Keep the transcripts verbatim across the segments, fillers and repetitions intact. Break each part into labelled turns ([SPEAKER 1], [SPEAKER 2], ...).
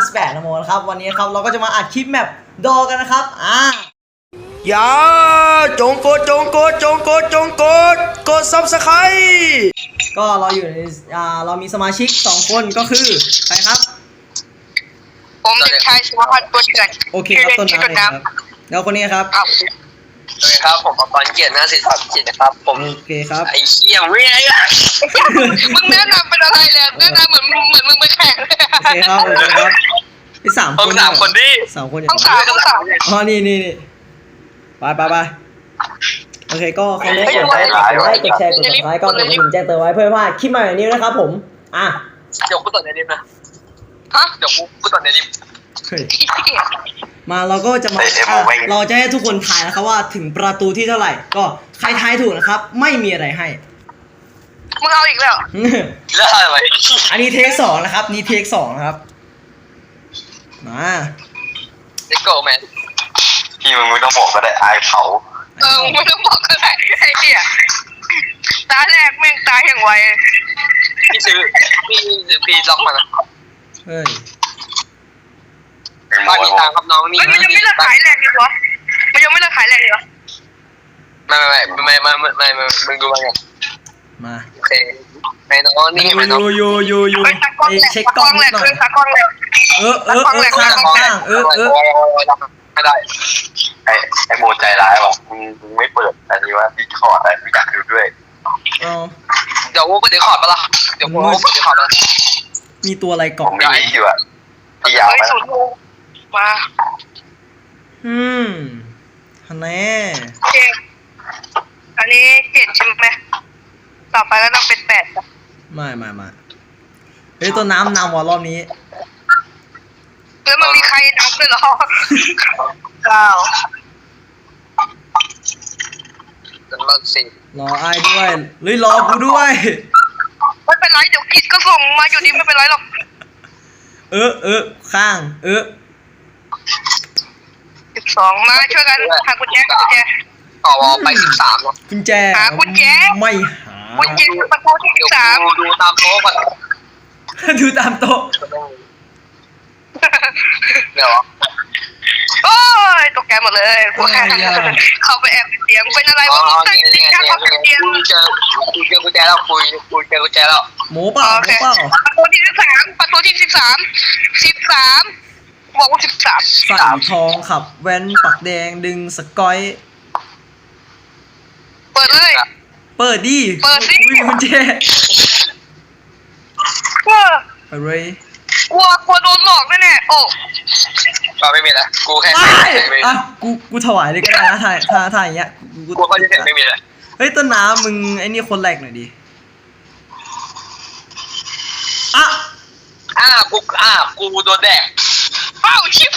[SPEAKER 1] สิบแปดนะโมนะครับวันนี้ครับเราก็จะมาอัดคลิปแมปดอกันนะครับอ่า
[SPEAKER 2] อย่าจงกดจงกดจงกดจงกดกดซับสไครต์
[SPEAKER 1] ก็เราอยู่ในอ่าเรามีสมาชิกสองคนก็คือใครครับ
[SPEAKER 3] ผมเด็กชายสุภพัฒน์ตัวเถื่อน
[SPEAKER 1] โอเคครับต้นน้ำครับแล้วคนนี้ครับ
[SPEAKER 3] โอเคครับผมปอนเกียรติหน้าศิลปะจิตนะครับผม
[SPEAKER 1] โอเคครับ
[SPEAKER 3] ไอ้เชี่ยไม่ไงล่ะมึงแนะนำเป็นอะไรเลยแนะนำเหมือนเหมือนมึงไปแข่ง
[SPEAKER 1] โอเคครับโอเคครับที่สามคน
[SPEAKER 3] สามคนดิ
[SPEAKER 1] สามคนอย่าง
[SPEAKER 3] ต้องสามต้องสาม
[SPEAKER 1] อ๋อนี่นี่นี่ไปไปไปโอเคก็คนแรกกดไลค์กดไลค์กดแชร์กดติดตามก็กดกระดิ่งแจ้งเตือนไว้เพื่อว่าคลิปใหม่แบบนี้นะครับผมอ่ะ
[SPEAKER 3] เดี๋ยวกูต่อในลิฟต์นะฮะเดี๋ยวกูกูต่อในลิฟต์
[SPEAKER 1] มาเราก็จะมาเราจะให้ทุกคนทายนะครับว่าถึงประตูที่เท่าไหร่ก็ใครทายถูกนะครับไม่มีอะไรให้
[SPEAKER 3] มึงเอาอีกแล้วแล้วอะไร
[SPEAKER 1] อันนี้เทคสองนะครับนี่เทคสองนะครับมา
[SPEAKER 3] เด็กโก้แมน
[SPEAKER 4] พี่มึงไม่ต้องบอกก็ได้อายเขา
[SPEAKER 3] เออไม่ต้องบอกก็ได้ไอ้เหี้ยตาแรกแม่งตายอย่างไวพี่ซื้อพี่ซื้อพี่ล็อกมานะ
[SPEAKER 1] เฮ้ย
[SPEAKER 3] ตอนนี้ตามครับน้องนี่มันยังไม่เลิกขายแรงดีวะมันยังไม่เลิกขายแรงดีวะไม่ไม่ไม่ไม่ไม่ไม่ไม่มึงดูมาไง
[SPEAKER 1] มา
[SPEAKER 3] โอเคไอ้น้องนี่ไอ้น้อง
[SPEAKER 1] โยโยโย
[SPEAKER 3] เช็คกล้องหน่อย
[SPEAKER 1] เออเออเออข้างข้างเออเออ
[SPEAKER 3] ไม่ได้
[SPEAKER 4] ไอ้ไอ้โมใจร้ายบอกมึงมึงไม่เปิดอันนี้ว่าดิสคอร์ดอะไรไม่อยากดูด้วย
[SPEAKER 3] เดี๋ยวกูเดี๋ยวขอดปะล่ะเดี๋ยวกูเดี๋ยวขอดปะ
[SPEAKER 1] มีตัวอะไรเกาะ
[SPEAKER 4] ผมไม่อยู่อ่ะที่ยาวไหม
[SPEAKER 3] มา
[SPEAKER 1] อืมฮันแน่
[SPEAKER 3] อันนี้เจ็ดใช่ไหมต่อไปก็ต้องเป็นแปด
[SPEAKER 1] ไม่ไม่ไม่เฮ้ยตัวน้ำนำว่ะรอบนี้
[SPEAKER 3] แล้วมันมีใครนับด้วยหรอเก้าเป็นรอบสี่
[SPEAKER 1] รอไอ้ด้วยหรือรอกูด้วย
[SPEAKER 3] ไม่เป็นไรเดี๋ยวกิจก็ส่งมาอยู่ดีไม่เป็นไรหรอก
[SPEAKER 1] เออเออข้างเออ
[SPEAKER 3] สิบสองมาช่วยกันหากุญแจกุญแจต่อวอไปสิบสาม
[SPEAKER 1] กุญแจ
[SPEAKER 3] หากุญแจ
[SPEAKER 1] ไม่หา
[SPEAKER 3] กุญแจประตูที่สิบสามดูตามโต๊ะก่อน
[SPEAKER 1] ดูตามโต๊ะ
[SPEAKER 3] เดี๋ยวโอ้ยตกใจหมดเลยพวกเข้าไปแอบเสียงเป็นอะไรวะตั้งใจจะเข้าไปเสียงกูเจอกูเจอกุญแจแล้วคุยกูเจอกุญแจแล้ว
[SPEAKER 1] หมูเปล่าหมูเปล่า
[SPEAKER 3] ประตูที่สิบสามประตูที่สิบสามสิบสามบอกว่าสิบสาม
[SPEAKER 1] ใส่ทองขับแว้นปักแดงดึงสกอย
[SPEAKER 3] เปิดเลย
[SPEAKER 1] เปิดดิ
[SPEAKER 3] เปิดสิ
[SPEAKER 1] กุญแจ
[SPEAKER 3] เออ
[SPEAKER 1] อะไร
[SPEAKER 3] กลัวกลัวโดนหลอกแน่ๆโอ้ก็ไม่มีแล้วกูแค่
[SPEAKER 1] อ่ะกูกูถวายเลยก็ได้นะถ่ายถ่ายถ่ายอย่างเงี้ย
[SPEAKER 3] กูกูเขาจะเห็นไม่มีแล้ว
[SPEAKER 1] เฮ้ยต้นน้ำมึงไอ้นี่คนแรกหน่อยดิอ่ะ
[SPEAKER 3] อ่ะกูอ่ะกูโดนแดกอ้าวชิบ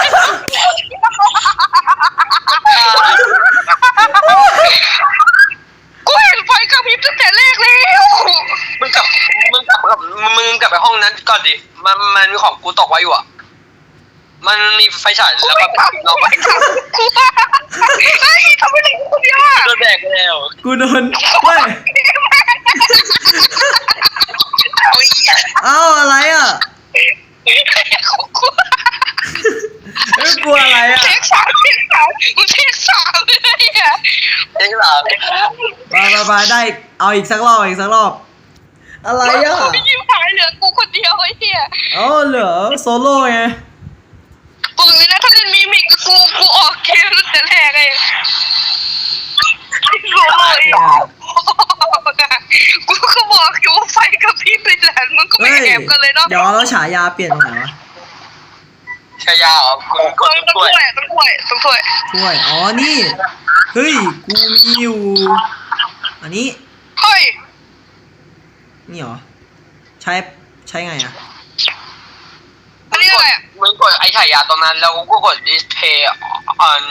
[SPEAKER 3] กูเห็นไฟกระพริบตั้งแต่แรกแล้วมึงกลับมึงกลับกับมึงกลับไปห้องนั้นก่อนดิมันมันมีของกูตกไว้อยู่อ่ะมันมีไฟฉายแล้วก็เราไปทำกูไอ้ทำไมถึงกูเดียวอ่ะโดนแดกแล้ว
[SPEAKER 1] กูโดนเว้ยเอ้าอะไรอ่ะ
[SPEAKER 3] เฮ้ย
[SPEAKER 1] กลัวอะไรอ่ะ
[SPEAKER 3] เทคสามเทคสามมึงเทคสามเลยอ่ะเทคสาม
[SPEAKER 1] ไปไปไปได้เอาอีกสักรอบอีกสักรอบอะไรอ่ะ
[SPEAKER 3] กูยิ้มหายเหลือกูคนเดียวไอ้เหี้ย
[SPEAKER 1] อ๋อเหลือโซโล่ไง
[SPEAKER 3] กูเลยนะถ้าเล่นมิมิกกูกูออกเกมตั้งแต่แรกเลยโอ้ยกูก็บอกอยู่ไฟกับพี่เป็นแหลนมึงก็ไม่แอบกันเลยเนาะ
[SPEAKER 1] เดี๋ยวเราฉายาเปลี่ยนตรงไหนวะ
[SPEAKER 3] ฉายาเหรอกูกดต้องถ้วยต้องถ้วยต้องถ้วย
[SPEAKER 1] ถ้วยอ๋อนี่เฮ้ยกูมีอยู่อันนี้
[SPEAKER 3] เฮ้ย
[SPEAKER 1] นี่เหรอใช้ใช้ไงอ่ะ
[SPEAKER 3] อันนี้อะไรอ่ะมึงกดไอ้ฉายาตรงนั้นแล้วกูกด display on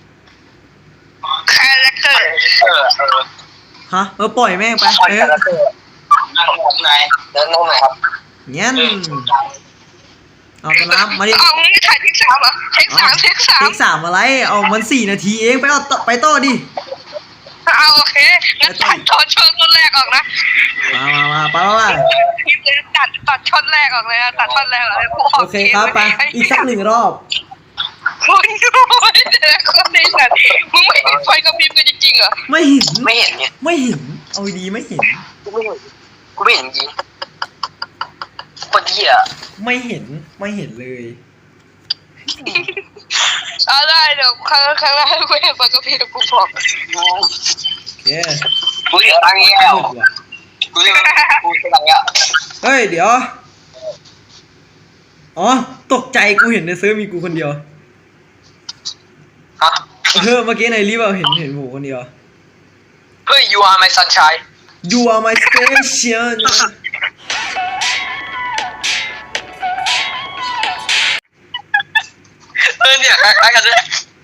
[SPEAKER 3] character เออเออ
[SPEAKER 1] ฮะเออปล่อยแม่งไปเออ
[SPEAKER 3] นั่งตรงไหนนั่งตรงไหนครับ
[SPEAKER 1] เงี้ยเอาตัวน้ำมาดิ
[SPEAKER 3] เอาไม่ถ่ายเทคสามเหรอเทคสามเทคสาม
[SPEAKER 1] เทคสามอะไรเอามันสี่นาทีเองไปเอาไปต่อดิ
[SPEAKER 3] เอาโอเคงั้นถ่ายตอนช่วงต้นแรกออกนะ
[SPEAKER 1] มามามาไปว่า
[SPEAKER 3] คลิปเลยตัดตัดช็อตแรกออกเลยตัดช็อตแรกออกเลยกูออก
[SPEAKER 1] โอเคครับไปอีกสักหนึ่งรอบ
[SPEAKER 3] มึงดูแต่ละคนในสัตว์มึงไม่เห็นไฟกระพริบกันจริงๆเหรอ
[SPEAKER 1] ไม่เห็น
[SPEAKER 3] ไม่เห็นเนี่ย
[SPEAKER 1] ไม่เห็นเอาดีไม่เห็น
[SPEAKER 3] กูไม่เห็นกูไม่เห็นจริงคนเหี้ย
[SPEAKER 1] ไม่เห็นไม่เห็นเลย
[SPEAKER 3] เอาได้เดี๋ยวครั้งครั้งแรกกูเห็นไฟกระพริบกูบอก
[SPEAKER 1] โอเค
[SPEAKER 3] กูเห็นตังค์แล้ว
[SPEAKER 1] มืดว่ะ
[SPEAKER 3] กูเห็นกูเห็นตังค์แล้ว
[SPEAKER 1] เฮ้ยเดี๋ยวอ๋อตกใจกูเห็นในเซิร์ฟมีกูคนเดียว
[SPEAKER 3] ฮะ
[SPEAKER 1] เออเมื่อกี้ในรีบเอาเห็นเห็นผมคนเดียว
[SPEAKER 3] เฮ้ย you are my sunshine
[SPEAKER 1] You are my station
[SPEAKER 3] เออเนี่ยคล้ายๆกันเลย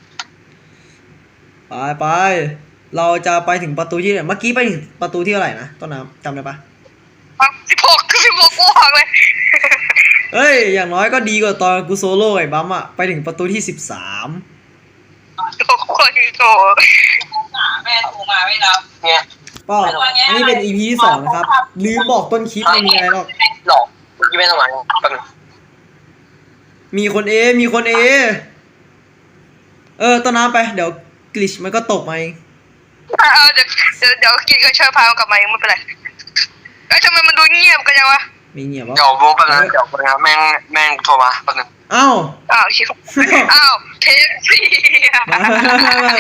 [SPEAKER 1] ไปไปเราจะไปถึงประตูที่ไหนเมื่อกี้ไปถึงประตูที่เท่าไหร่นะต้นน้ำจำได้ปะ
[SPEAKER 3] สิบหกคือสิบหกกูหักเลย
[SPEAKER 1] เอ้ยอย่างน้อยก็ดีกว่าตอนกูโซโล่ไอ้บัมอะไปถึงประตูที่สิบสาม
[SPEAKER 3] โอ้โหโถแม่โทรมาไม่รับเนี่ย
[SPEAKER 1] ก็อันนี้เป็น อี พี ที่สองนะครับลืมบอกต้นคลิปไม่มีอะไรหรอก
[SPEAKER 3] หลอกเมื่อกี้ไม่ทำไมแป๊บนึง
[SPEAKER 1] มีคนเอ มีคนเอ เออต้นน้ำไปเดี๋ยวกลิชมันก็ตกมาเอง
[SPEAKER 3] เออเดี๋ยวเดี๋ยวเดี๋ยวกินก็ช่วยพามันกลับมาเองไม่เป็นไรเอ้ยทำไมมันดูเงียบกันจังวะ
[SPEAKER 1] ไม่เงียบวะ
[SPEAKER 3] เดี๋ยวโบแป๊บนึงเดี๋ยวแป๊บนึงแม่งแม่งโทรมาแป๊บนึง
[SPEAKER 1] อ้าว
[SPEAKER 3] อ้าวชิบอ้าวเทปสี่
[SPEAKER 1] มามามามา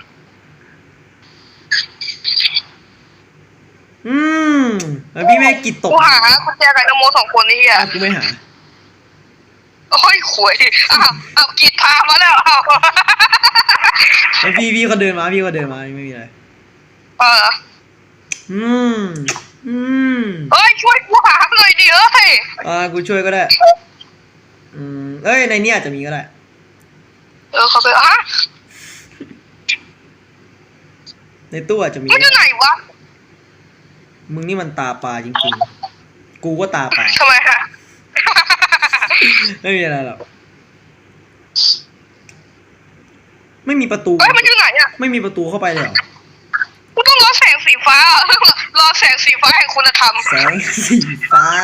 [SPEAKER 1] อืมแล้วพี่แม่กิดตก
[SPEAKER 3] กูหาคุณแจกับนโมสองคนนี่อ่ะ
[SPEAKER 1] อ่ะกูไม่หา
[SPEAKER 3] โอ้ยขวยอ้าวอ้าวกิดพามาแล้วอ้าว
[SPEAKER 1] แล้วพี่พี่เขาเดินมาพี่เขาเดินมาไม่มีอะไร
[SPEAKER 3] เออ
[SPEAKER 1] อืมอืม
[SPEAKER 3] เอ้ยช่วยกูหาหน่อยดิเอ้ย
[SPEAKER 1] อ่ากูช่วยก็ได้อืมเอ้ยในนี้อาจจะมีก็ได้
[SPEAKER 3] เออเขาไปอ่ะ
[SPEAKER 1] ในตู้อาจจะมี
[SPEAKER 3] มันอยู่ไหนวะ
[SPEAKER 1] มึงนี่มันตาปลาจริงๆกูก็ตาปลา
[SPEAKER 3] ทำไมฮะ
[SPEAKER 1] ไม่มีอะไรหรอกไม่มีประตู
[SPEAKER 3] เฮ้ยมันอยู่ไหนอ่ะ
[SPEAKER 1] ไม่มีประตูเข้าไปเลยเหรอ
[SPEAKER 3] กูต้องรอแสงสีฟ้ารอแสงสีฟ้าแห่งคุณธรรม
[SPEAKER 1] แสงสีฟ้า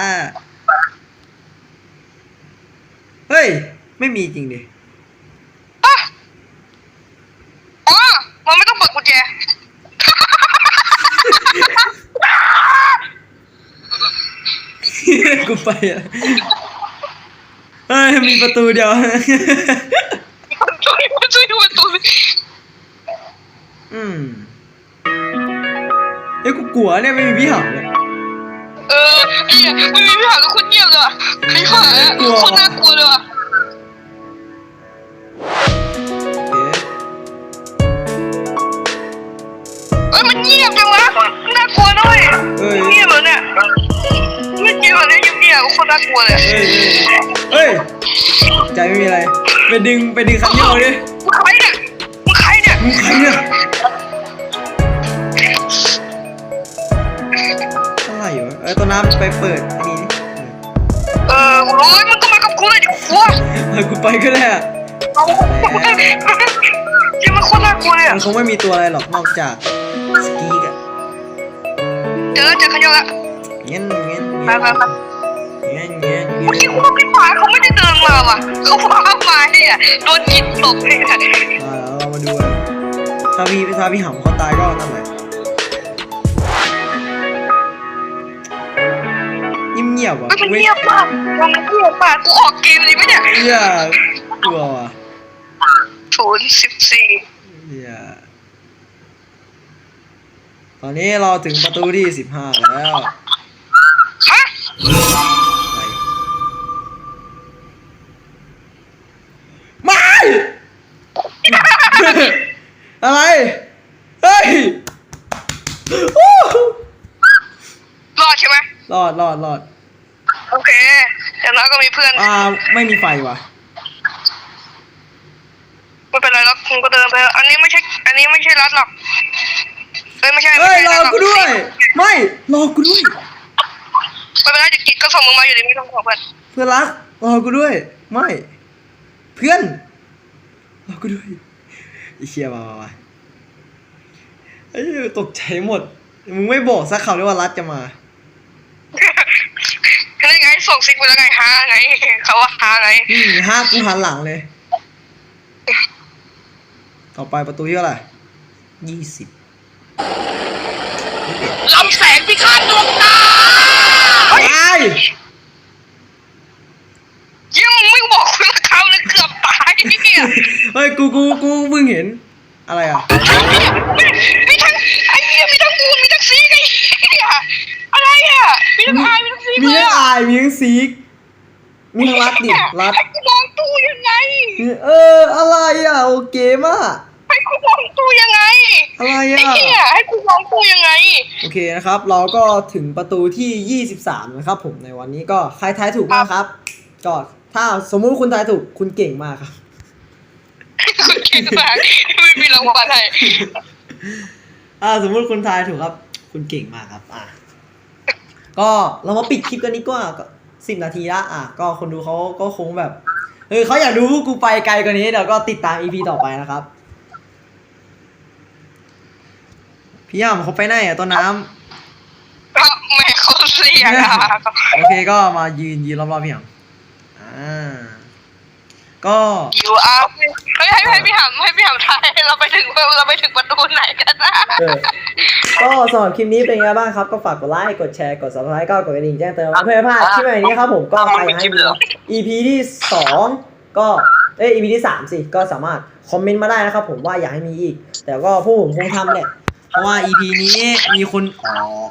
[SPEAKER 1] เฮ้ย ไม่มีจริงดิ
[SPEAKER 3] อ่ะอ๋อมันไม่ต้องเปิดกุญแจ
[SPEAKER 1] กูไปอ่ะเฮ้ย มีประตูเดียว
[SPEAKER 3] ช่วยช่วยดูประตู
[SPEAKER 1] อืมเฮ้ยกูกลัวเนี่ยไม่มีพี่หำเนี่ย
[SPEAKER 3] เออไอ้เหี้ยไม่มีพี่หากับคนเงียบเลยว่ะไอ้ห่าคนน่ากลัวเลยว่ะ
[SPEAKER 1] โอเค
[SPEAKER 3] เอ้ยมันเงียบจังวะน่ากลัวด้วย
[SPEAKER 1] เอ้ย
[SPEAKER 3] เงียบเหรอเนี่ยไม่เงียบเหรอเนี่ยเงียบๆคนน่ากลัวเลย
[SPEAKER 1] เฮ้ยเฮ้ยใจไม่มีอะไร ไปดึงไปดึงคันโยกดิ
[SPEAKER 3] มึงใครเนี่ยมึงใครเนี่ย
[SPEAKER 1] มึงใครเนี่ยอะไรอยู่เอ้ยต้นน้ำไปเปิดอันนี้ดิ
[SPEAKER 3] เออกูรู้มึงก็มากับกูเลยดิกลัว
[SPEAKER 1] เออกูไปก็ได้อะ
[SPEAKER 3] เอาจริงมันคนน่ากลัวเลย
[SPEAKER 1] มันคงไม่มีตัวอะไรหรอกนอกจากสกีกอะ
[SPEAKER 3] เจอเจอขยงละ
[SPEAKER 1] เงี้ยเงี้ย
[SPEAKER 3] ไปไปไป
[SPEAKER 1] เงี้ยเงี้ย
[SPEAKER 3] เมื่อ
[SPEAKER 1] เงี้
[SPEAKER 3] กี้
[SPEAKER 1] ย
[SPEAKER 3] กูว่าพี่ฟ้าเขาไม่ได้เดินมาว่ะเขาฟ้ามาเนี่ยโดนจิตตกเลย
[SPEAKER 1] มาเรามาดูกันถ้าพี่ถ้าพี่หำเขาตายก็นั่นแหละเงียบๆว่ะ
[SPEAKER 3] มันเงียบมากมันเงียบมากกูออกเกมดีไหมเนี่ย
[SPEAKER 1] เหี้ยกลัวว่ะ
[SPEAKER 3] ศูนย์สิบสี่
[SPEAKER 1] เหี้ยตอนนี้เราถึงประตูที่สิบห้าแล้ว
[SPEAKER 3] ฮะ
[SPEAKER 1] ไม่ อะไร เฮ้ยโอ้
[SPEAKER 3] รอดใช่ไหม
[SPEAKER 1] รอดรอดรอด
[SPEAKER 3] โอเคอย่างน้อยก็มีเพื่อน
[SPEAKER 1] อ่าไม่มีไฟว่ะ
[SPEAKER 3] ไม่เป็นไรแล้วคุณก็เดินไปอันนี้ไม่ใช่อันนี้ไม่ใช่รัดหรอกเอ้ยไม่ใช่
[SPEAKER 1] เฮ้ย
[SPEAKER 3] ไม่
[SPEAKER 1] ร
[SPEAKER 3] ใช่
[SPEAKER 1] อกูด้วย ไม่รอกูด้วย
[SPEAKER 3] ไม่เป็นไรเดี๋ยวกิจก็ส่งมึงมาอยู่ดีไม่ต้องห่วงเพื่อน
[SPEAKER 1] เพื่อนรักรอกูด้วย ไม่ เพื่อนรอกูด้วยไอ้เชี่ยมามามาไอ้เหี้ยตกใจหมด มึงไม่บอกสักคำเลยว่ารัดจะมา
[SPEAKER 3] ส่งซิกไปแล้วไงฮาไงเขาว่าฮาไง
[SPEAKER 1] อืมห้ากูหันหลังเลย ต่อไปประตูที่เท่าไหร่ยี่สิบ
[SPEAKER 3] ลำแสงพิฆาตดวงตา
[SPEAKER 1] ไอ้
[SPEAKER 3] ยังไม่บอกคุณเขาเลยเกือบตายเนี่ย
[SPEAKER 1] เฮ้ยกูกูกูเพิ่งเห็นอะไรอ่ะ
[SPEAKER 3] มีทั้งไอ้เหี้ยมีทั้งมูนมีทั้งซีกไอ้เหี้ยอะไรอ่ะมีทั้งไอมีทั้งซี
[SPEAKER 1] มีทั้งอายมีทั้งซีกมีทั้งรัดดิรัด
[SPEAKER 3] ให้กูมองตู้ยังไง
[SPEAKER 1] เอออะไรอ่ะโอเคมาก
[SPEAKER 3] ให้กูมองตู้ยังไง
[SPEAKER 1] อะไร
[SPEAKER 3] ไอ้
[SPEAKER 1] อ่ะ
[SPEAKER 3] เหี้ยให้กูมองตู้ยังไง
[SPEAKER 1] โอเคนะครับ เราก็ถึงประตูที่ยี่สิบสามนะครับผมในวันนี้ก็ใครทายถูกบ้างครับก็ถ้าสมมุติคุณทายถูกคุณเก่งมากครับ
[SPEAKER 3] คุณเก่งมากไม่มีรางวัลให้
[SPEAKER 1] อ่าสมมุติคุณทายถูกครับ คุณเก่งมากครับ อ่ะก็เรามาปิดคลิปกันนี้ก็ก็สิบนาทีละอ่ะก็คนดูเขาก็คงแบบเออเขาอยากดูกูไปไกลกว่านี้เดี๋ยวก็ติดตาม อี พี ต่อไปนะครับพี่ย่ำเขาไปไหนอ่ะต้นน้ำ
[SPEAKER 3] แม่เขาเรียกอะ
[SPEAKER 1] โอเคก็มายืนยืนรอบๆพี่ย่ำอ่าก็
[SPEAKER 3] อยู่อ่ะเฮ้ยให้ให้พี่หำให้พี่หำทายเราไปถึงเราไปถึงประตูไหนกันนะ
[SPEAKER 1] เออก็สำหรับคลิปนี้เป็นไงบ้างครับก็ฝากกดไลค์กดแชร์กด ซับสไครบ์ ก็กดกระดิ่งแจ้งเตือนเพื่อไม่พลาดคลิปใหม่นี้ครับผมก็ใครอยากให้มี อี พี ที่สองก็เอ้ย อี พี ที่สามสิก็สามารถคอมเมนต์มาได้นะครับผมว่าอยากให้มีอีกแต่ก็พวกผมคงทำแหละเพราะว่า อี พี นี้มีคนอ๋อ